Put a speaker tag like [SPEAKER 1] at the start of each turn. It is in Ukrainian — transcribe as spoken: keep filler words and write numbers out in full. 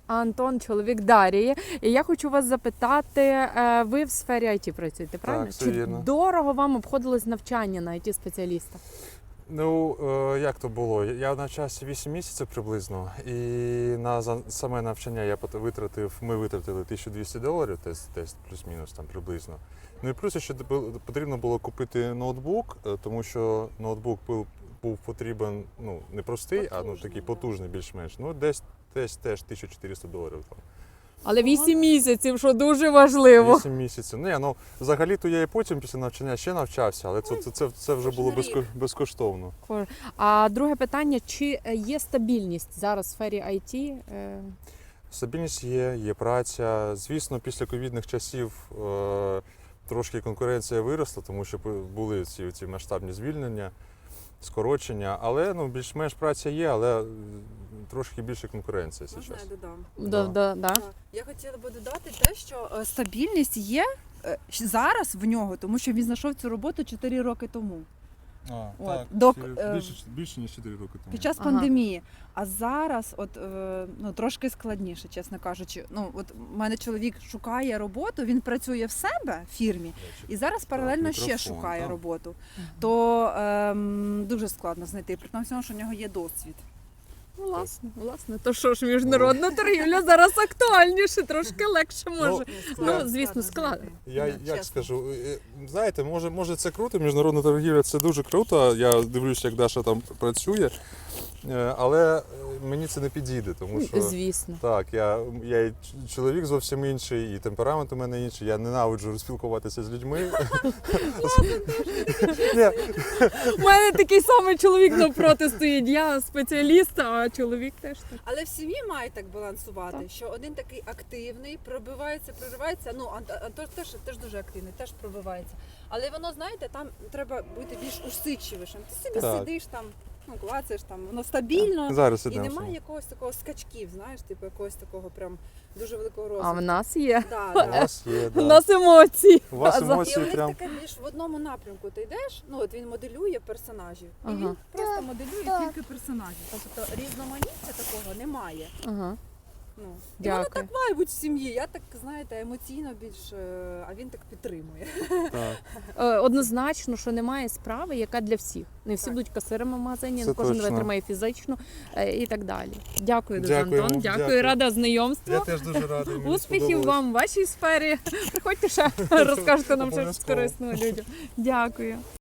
[SPEAKER 1] а Антон чоловік Дарії. І я хочу вас запитати, е, ви в сфері ай ті працюєте, правильно?
[SPEAKER 2] все
[SPEAKER 1] Чи
[SPEAKER 2] вірно.
[SPEAKER 1] дорого вам обходилось навчання на ай ті-спеціаліста?
[SPEAKER 2] Ну, е, як то було? Я навчався вісім місяців приблизно, і на за- саме навчання я пот- витратив, ми витратили тисячу двісті доларів, десь, десь плюс-мінус там приблизно. Ну і плюс ще бу- потрібно було купити ноутбук, е, тому що ноутбук був, був потрібен, ну, не простий, а ну, такий потужний більш-менш. Ну, десь, десь теж тисяча чотириста доларів там.
[SPEAKER 1] Але вісім місяців, що дуже важливо.
[SPEAKER 2] вісім місяців. Ну, я, ну, взагалі-то я і потім після навчання ще навчався, але це, це, це, це вже було безко, безкоштовно.
[SPEAKER 1] А друге питання, чи є стабільність зараз в сфері ай ті? Е,
[SPEAKER 2] Стабільність є, є праця. Звісно, після ковідних часів е, трошки конкуренція виросла, тому що були ці, ці масштабні звільнення, скорочення, але ну, більш-менш праця є, але е, трошки більше конкуренція
[SPEAKER 3] Можна
[SPEAKER 2] зараз.
[SPEAKER 3] я додам?
[SPEAKER 1] Да, да, да.
[SPEAKER 3] Так. Я хотіла би додати те, що е, стабільність є е, щ- зараз в нього, тому що він знайшов цю роботу чотири роки тому.
[SPEAKER 2] А,
[SPEAKER 3] От, док- е,
[SPEAKER 2] більше, більше, ніж чотири роки тому.
[SPEAKER 3] Під час
[SPEAKER 1] Ага.
[SPEAKER 3] пандемії. А зараз, от е, ну трошки складніше, чесно кажучи. Ну от у мене чоловік шукає роботу, він працює в себе в фірмі і зараз паралельно ще
[SPEAKER 2] мікрофон,
[SPEAKER 3] шукає
[SPEAKER 2] так.
[SPEAKER 3] роботу. То ем, дуже складно знайти, при тому, всьому, що в нього є досвід.
[SPEAKER 1] Ну, власне, власне. То що ж, міжнародна торгівля зараз актуальніше, трошки легше може. Ну, звісно, складно.
[SPEAKER 2] Я
[SPEAKER 3] Да,
[SPEAKER 2] як
[SPEAKER 3] чесно.
[SPEAKER 2] скажу, е, знаєте, може, може це круто, міжнародна торгівля це дуже круто. Я дивлюся, як Даша там працює, е, але е, мені це не підійде, тому що
[SPEAKER 1] Звісно.
[SPEAKER 2] так, я, я і ч- чоловік зовсім інший, і темперамент у мене інший. Я ненавиджу розпілкуватися з людьми. Ні,
[SPEAKER 1] У мене такий самий чоловік навпроти стоїть. Я спеціаліст, а чоловік теж так.
[SPEAKER 3] Але в сім'ї має так балансувати,
[SPEAKER 1] Так.
[SPEAKER 3] що один такий активний, пробивається, проривається. Ну, Ант- Антон теж, теж дуже активний, теж пробивається. Але воно, знаєте, там треба бути більш усидчивішим. Ти собі
[SPEAKER 2] Так.
[SPEAKER 3] сидиш там, ну, клацаєш там, воно стабільно.
[SPEAKER 2] зараз
[SPEAKER 3] І
[SPEAKER 2] ідемо.
[SPEAKER 3] немає якогось такого скачків, знаєш, типу якогось такого прям дуже великого
[SPEAKER 1] А
[SPEAKER 3] розвитку.
[SPEAKER 1] в нас є.
[SPEAKER 3] Да,
[SPEAKER 2] У
[SPEAKER 3] да.
[SPEAKER 2] вас є,
[SPEAKER 1] У
[SPEAKER 2] да.
[SPEAKER 1] нас емоції.
[SPEAKER 2] У вас
[SPEAKER 1] А за-
[SPEAKER 3] І
[SPEAKER 2] емоції
[SPEAKER 3] у них
[SPEAKER 2] прям.
[SPEAKER 3] таке більш в одному напрямку ти йдеш, ну от він моделює персонажів. І
[SPEAKER 1] Ага.
[SPEAKER 3] він просто моделює тільки персонажів. Тобто різноманіття такого немає.
[SPEAKER 1] Ага.
[SPEAKER 3] Ну, і
[SPEAKER 1] Дякую.
[SPEAKER 3] воно так має бути в сім'ї. Я так, знаєте, емоційно більш, е, а він так підтримує.
[SPEAKER 2] Так.
[SPEAKER 1] Е, Однозначно, що немає справи, яка для всіх. Не всі
[SPEAKER 3] Так.
[SPEAKER 1] будуть касирами в магазині,
[SPEAKER 2] Це
[SPEAKER 1] не кожен
[SPEAKER 2] точно.
[SPEAKER 1] витримає фізично е, і так далі. Дякую дуже,
[SPEAKER 2] Дякуємо,
[SPEAKER 1] Антон. Дякую,
[SPEAKER 2] дякую.
[SPEAKER 1] рада знайомству.
[SPEAKER 2] Я теж дуже радий. мені
[SPEAKER 1] Успіхів
[SPEAKER 2] сподобалось.
[SPEAKER 1] вам в вашій сфері. Приходьте ще, розкажете нам щось
[SPEAKER 2] Обов'язково.
[SPEAKER 1] корисного людям. Дякую.